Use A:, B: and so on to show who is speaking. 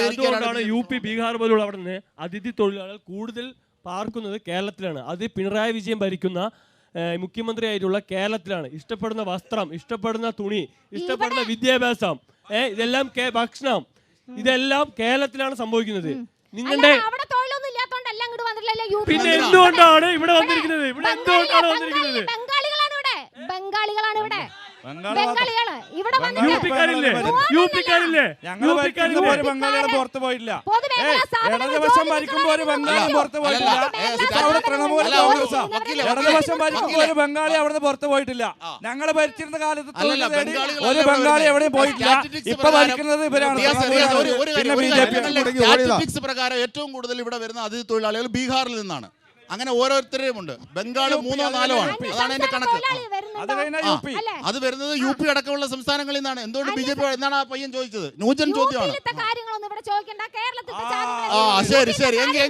A: അതുകൊണ്ടാണ് U P Bihar പോലുള്ള അവിടെ നിന്ന് അതിഥി തൊഴിലാളികൾ കൂടുതൽ പാർക്കുന്നത് കേരളത്തിലാണ്. അത് പിണറായി വിജയൻ ഭരിക്കുന്ന മുഖ്യമന്ത്രിയായിട്ടുള്ള കേരളത്തിലാണ്. ഇഷ്ടപ്പെടുന്ന വസ്ത്രം, ഇഷ്ടപ്പെടുന്ന തുണി, ഇഷ്ടപ്പെടുന്ന വിദ്യാഭ്യാസം, ഇതെല്ലാം ഭക്ഷണം, ഇതെല്ലാം കേരളത്തിലാണ് സംഭവിക്കുന്നത്. നിങ്ങളുടെ പിന്നെ എന്തുകൊണ്ടാണ് ഇവിടെ വന്നിരിക്കുന്നത്? ഇവിടെ എന്തുകൊണ്ടാണ് വന്നിരിക്കുന്നത്?
B: ബംഗാളികളാണ് ഇവിടെ.
C: പുറത്തു പോയില്ല. ഇടതുപക്ഷം ഭരിക്കുമ്പോ ഒരു ബംഗാളി പുറത്തു പോയിട്ടില്ല. അവിടെ തൃണമൂല കോൺഗ്രസ് ഇടതുപക്ഷം ഭരിക്കുമ്പോ ഒരു ബംഗാളി അവിടെ പുറത്തു പോയിട്ടില്ല. ഞങ്ങള് ഭരിച്ചിരുന്ന കാലത്ത് ഒരു ബംഗാളി എവിടെയും പോയിട്ടില്ല. ഇപ്പൊ ഭരിക്കുന്നത് ഇവരാണ്.
D: പ്രകാരം ഏറ്റവും കൂടുതൽ ഇവിടെ വരുന്ന അതിഥി തൊഴിലാളികൾ ബീഹാറിൽ നിന്നാണ്. അങ്ങനെ ഓരോരുത്തരെയും ഉണ്ട്. ബംഗാൾ 3 or 4 ആണ്. അതാണ് എന്റെ കണക്ക്. അത് വരുന്നത് യു പി അടക്കമുള്ള സംസ്ഥാനങ്ങളിൽ നിന്നാണ്. എന്തുകൊണ്ട് ബിജെപി എന്നാണ് ആ പയ്യൻ ചോദിച്ചത്? ന്യൂജൻ ചോദ്യമാണ്.
B: കാര്യങ്ങളൊന്നും ഇവിടെ ചോദിക്കണ്ട. കേരളത്തിൽ
D: ശരി